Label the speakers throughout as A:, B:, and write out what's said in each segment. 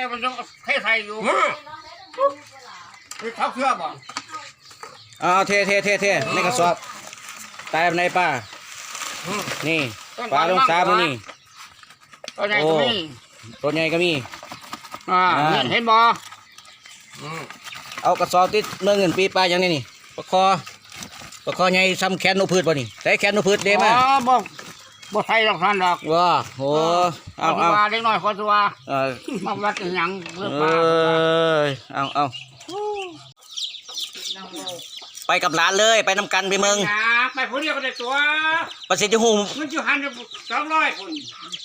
A: มันยังเทใส่อยู่เท้าเสื้อบ่
B: เทในกระสอบตายในป่านี่ปลาลงซามันนี่
A: ตัวใหญ่ก็มี
B: ตัวใหญ่ก็มี
A: เห็นบ่
B: เอากระสอบติดเมื่อเงินปีปลาอย่างนี้นี่ปลาคอใหญ่ซ้ำแขนนกพืชบ่นี่ใส่แขนนกพืชเด้มา
A: บ่ใช่ดอกท่านดอก
B: ว้าโหเอา
A: เล็กน้อยคนตัวมาวัดอย่างเรื่องปลา
B: เอาไปกับหลานเลยไปนำกันไปเมือง
A: ไปผู้เดียวก็ได้ตัว
B: ประสิทธิ์หู
A: มันอยู่หัน200คน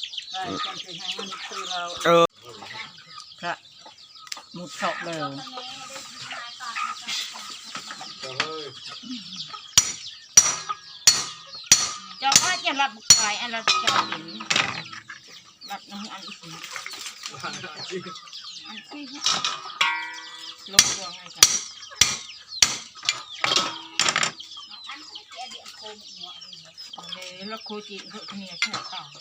C: ครับมุดเฉาะเลยเจ้าว่าจะรับบุกไก่อันรับเจ้าหินรับน้ำอันอีกอันที่ลงตัวไงกันแล้วคุยจีนเขาเนี่ยใช่เปล่า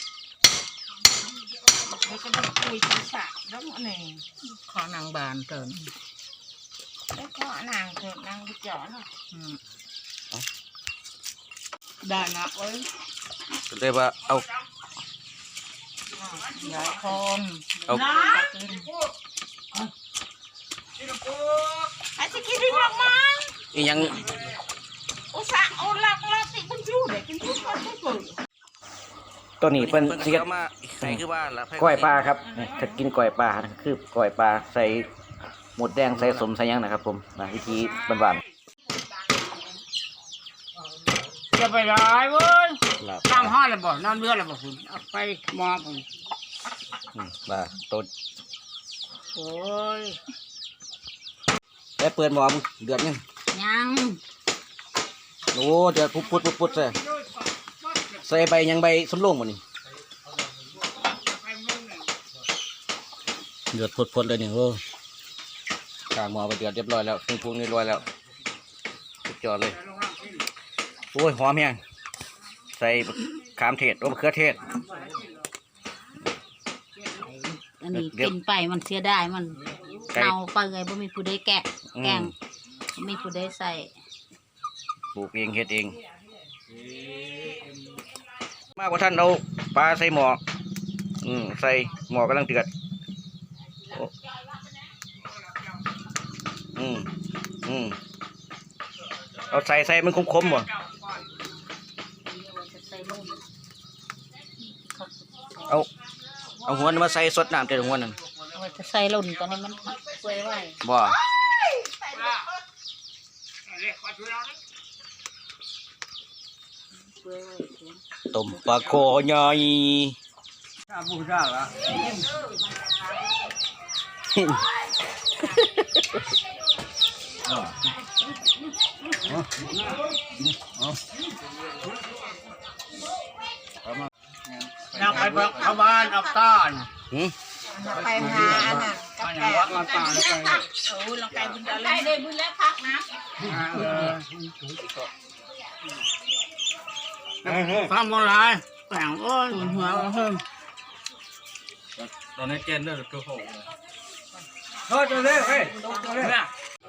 C: แล้วก็ได้คุยภาษาแล้วมันเองขอนางบานเกินแล้วขอนางเกินนางไปจ่อเนาะได้นะเว้ย
B: ได้ว่าเอา
C: หลายคนนะไอ้ที่กินได้ยังมั้ง
B: อียัง
C: อุตส่าห์เอาหลักติมันอยู่เด็กกินทุกคนทุกคน
B: ตัวนี้เป็นเสียมาใส่คือว่าก้อยปลาครับถ้ากินก้อยปลาคือก้อยปลาใส่หมดแดงใส่สมใส่ยังนะครับผมวิธีบ้าน
A: จะไปได้เว้ยน้ำห้าเลยบ่น้ำเลือดเลยบ่คุณเอาไปมองผม
B: ปลาต้น
A: โอ้ย
B: แล้วเปิดหม้อเดือด
C: ยัง
B: โอ้เดือดพุดใส่ใบยังใบสมลงหมดนี่เดือดพุดเลยนี่โอ้กางหม้อไปเดือดเรียบร้อยแล้วเครื่องปรุงเรียบร้อยแล้วสุดยอดเลยโอ้ยหอมแห้งใส่ขามเทศมะเขือเทศ
C: อันนี้กินไปมันเสียได้มันเน่าไปไงบ่มีผู้ใดแกงมีผู้ใดใส่
B: ปลูกเองเฮ็ดเองมากกว่าท่านเอาปลาใส่หม้อใส่หม้อกำลังเดือดเอาใส่มันคมๆบ่เอาหัวมาใส่สดน้ำเต็มหัวนั่น
C: จะใส่หล่นตอนนี้มันเปื่อยไว้
B: บ่ต้มปลาโคใหญ่
A: บูชาละอยากไปเข้าบ้านอับต้าน
C: ไปหาอันนั้น
A: อยากวัดมาตาเลยไป
C: ลังไก่บุญได้ได้บุญแล้วพักนะ
A: ทำอะไรแต่งโอ้ยหัวเพิ่ม
B: ตอนนี้เจนเด้อตัวโห
A: โทษเลยเฮ้ยเนี่ย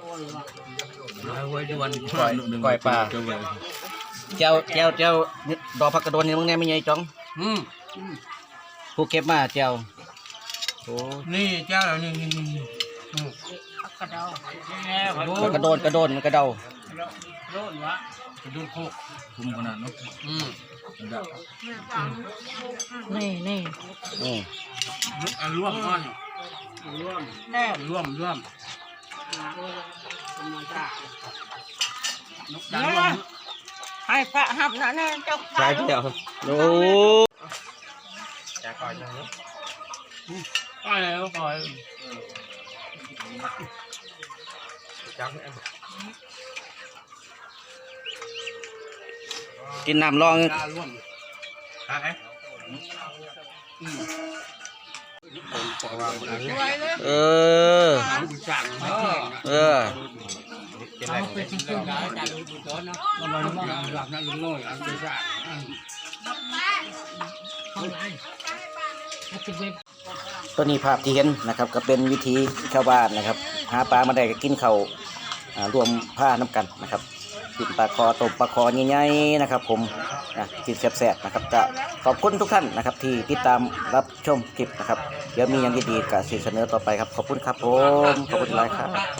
B: ก้อยปลาเจ้าดอกผักกระโดนนี่มึงแน่ไม่ใหญ่จ้องผู้เก็บมาเจ้าโอ้
A: นี่เจ้านี่
C: กระเด
B: ากระโดนมันกระเดา
A: โดนวะกระโดนโคก
B: คุมขนาดนู้
C: นี่
A: ร่วมก้อนร่วม
C: ให้พระหับนะเนี่ยเจ้า
B: ใช่เดียวโอ้
A: จะคอยจังเลยคอยแล้วคอยจัง
B: กินน้ำรอง
A: ร่วมอะไร
B: เอาไป
A: ที่เครื่องได้จากลูกต้นนะมันหลับนั่นลุงน้อยอันเป็นสาร
B: ตัวนี้ภาพที่เห็นนะครับก็เป็นวิธีชาวบ้านนะครับหาปลามาได้ก็กินข้าวรวมผ้าน้ำกันนะครับกินปลาคอต้มปลาคอใหญ่ๆนะครับผมกินแซ่บๆนะครับก็ขอบคุณทุกท่านนะครับที่ติดตามรับชมคลิปนะครับเดี๋ยวมีอย่างดีๆก็สิเสนอต่อไปครับขอบคุณครับผมขอบคุณหลายครับ